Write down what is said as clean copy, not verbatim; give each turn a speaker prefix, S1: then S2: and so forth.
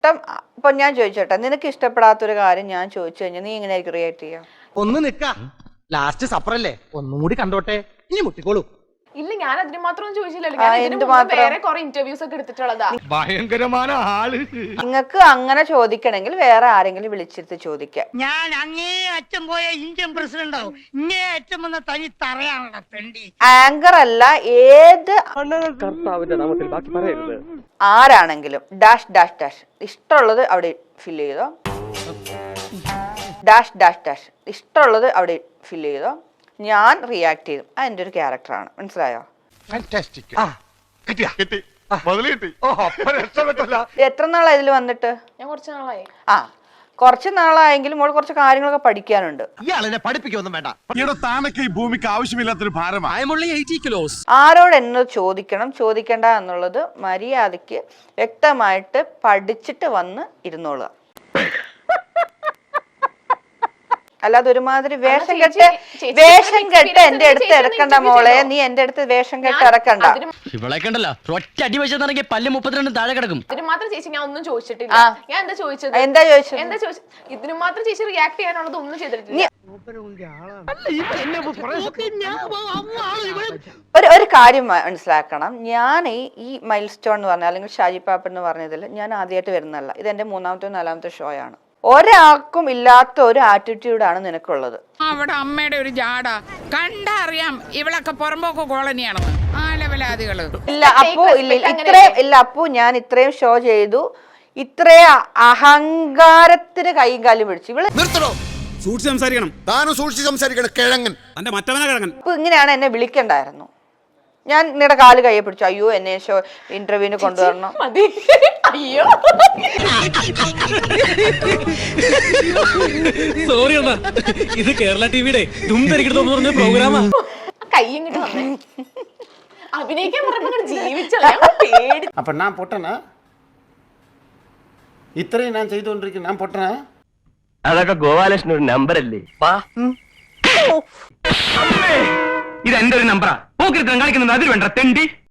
S1: ഇപ്പൊ ഞാൻ ചോദിച്ചോട്ടെ, നിനക്ക് ഇഷ്ടപ്പെടാത്തൊരു കാര്യം ഞാൻ ചോദിച്ചു കഴിഞ്ഞാൽ നീ എങ്ങനെയായിരിക്കും റിയാക്ട് ചെയ്യാം?
S2: ഒന്ന് നിക്ക, ലാസ്റ്റ് സപ്പറല്ലേ, ഒന്നും കൂടി കണ്ടോട്ടെ, ഇനി മുട്ടിക്കോളൂ.
S3: ഇല്ല, ഞാൻ അതിന് മാത്രം ചോദിച്ചില്ലല്ലോ. വേറെ കുറെ ഇന്റർവ്യൂസ് ഒക്കെ എടുത്തിട്ടുള്ളതാ.
S4: ഭയങ്കരമായ ആള്.
S1: നിങ്ങൾക്ക് അങ്ങനെ ചോദിക്കണമെങ്കിൽ വേറെ ആരെങ്കിലും വിളിച്ചിരുത്തി ചോദിക്കാം.
S5: ഞാൻ അങ്ങേ അച്ഛൻ പോയ ഇന്ത്യൻ പ്രസിഡന്റ് ആവും, ഇങ്ങേ അച്ഛൻ വന്ന തനി തറയാണല്ലോ പെണ്ടി.
S1: ആങ്കർ അല്ല, ഏത് ആരാണെങ്കിലും ഡാഷ് ഡാഷ് ഡാഷ് ഇഷ്ടമുള്ളത് അവിടെ ഫില്ല് ചെയ്തോ. ഡാഷ് ഡാഷ് ഡാഷ് ഇഷ്ടമുള്ളത് അവിടെ ഫില്ല് ചെയ്തോ. ഞാൻ റിയാക്ട് ചെയ്തു. അതെന്റെ ഒരു ക്യാരക്ടറാണ്, മനസ്സിലായോ? എത്ര നാളായി ഇതിൽ വന്നിട്ട്?
S3: ഞാൻ കുറച്ച് നാളായി.
S1: കുറച്ച് നാളായെങ്കിലും മോൾ കുറച്ച് കാര്യങ്ങളൊക്കെ പഠിക്കാനുണ്ട്.
S2: ഇയാളെന്നെ പഠിപ്പിക്കൊന്നും വേണ്ട.
S4: താനൊക്കെ ഈ ഭൂമിക്ക് ആവശ്യമില്ലാത്തൊരു ഭാരമാണ്.
S1: ആരോട് എന്നത് ചോദിക്കണം ചോദിക്കണ്ട എന്നുള്ളത് മര്യാദയ്ക്ക് വ്യക്തമായിട്ട് പഠിച്ചിട്ട് വന്ന് ഇരുന്നോളുക. അല്ലാതെ ഒരുമാതിരി വേഷം കെട്ട് എന്റെ അടുത്ത് ഇറക്കണ്ട മോളെ. നീ എന്റെ അടുത്ത് വേഷം കെട്ട് ഇറക്കണ്ട.
S6: ഇവളെ കണ്ടല്ലോ, ഒറ്റ അടി വെച്ചാൽ പല്ല് 32 താഴെ കിടക്കും.
S3: ഇതിന് മാത്രം ചേച്ചി ഞാൻ ഒന്നും ചോദിച്ചിട്ടില്ല. ഞാൻ എന്താ ചോദിച്ചത്?
S1: എന്താ ചോദിച്ചത്?
S3: ഇതിന് മാത്രം ചേച്ചി റിയാക്ട് ചെയ്യാനുള്ളത് ഒന്നും ചെയ്തിട്ടില്ല.
S1: ഒരു കാര്യം മനസ്സിലാക്കണം, ഞാൻ ഈ മൈൽ സ്റ്റോൺ എന്ന് പറഞ്ഞ അല്ലെങ്കിൽ ഷാജി പാപ്പൻ എന്ന് പറഞ്ഞതിൽ ഞാൻ ആദ്യമായിട്ട് വരുന്നതല്ല. ഇത് എന്റെ 3ാമത്തെ 4ാമത്തെ ഷോ ആണ്. ഒരാൾക്കും ഇല്ലാത്ത ഒരു ആറ്റിറ്റ്യൂഡാണ് നിനക്കുള്ളത്.
S7: അവിടെ അമ്മയുടെ ഒരു ജാട കണ്ടറിയാം, ഇവളൊക്കെ പുറമ്പോക്ക് കോളനിയാണെന്ന്. ആ ലെവലാദികള്
S1: ഇല്ല അപ്പു, ഞാൻ ഇത്രയും ഷോ ചെയ്തു, ഇത്രയും അഹങ്കാരത്തിന് കൈയും കാലും പിടിച്ചു. ഇവള്
S4: സൂക്ഷിച്ച് സംസാരിക്കണം. താനും സൂക്ഷിച്ച് സംസാരിക്കണം. കിഴങ്ങൻ തന്റെ മറ്റവനെ കിഴങ്ങൻ.
S1: ഇപ്പൊ ഇങ്ങനെയാണ് എന്നെ വിളിക്കണ്ടായിരുന്നു. ഞാൻ നിങ്ങളുടെ കാല് കയ്യെ പിടിച്ചു. അയ്യോ, എന്നെ ഷോ ഇന്റർവ്യൂവിന് കൊണ്ടുവരണം.
S3: അയ്യോ
S6: സോറി അണ്ണാ, ഇത് കേരള ടിവിയുടെ പറഞ്ഞ പ്രോഗ്രാമാ.
S3: കയ്യും കിട്ടി വന്നേ. അഭിനയിക്കാൻ പറഞ്ഞപ്പോ ജീവിച്ചല്ല, പേടി.
S8: அப்ப நான் பொட்டனா? ഇത്രയും ഞാൻ ചെയ്തുകൊണ്ടിരിക്കുന്നു, ഞാൻ പൊട്ടനാ?
S9: അതൊക്കെ ഗോപാലകൃഷ്ണൻ ഒരു നമ്പർ അല്ലേ? ഇത് എന്റെ ഒരു നമ്പറാ. പോക്കിരുത്തം കാണിക്കുന്നത് അതിൽ വേണ്ട തെണ്ടി.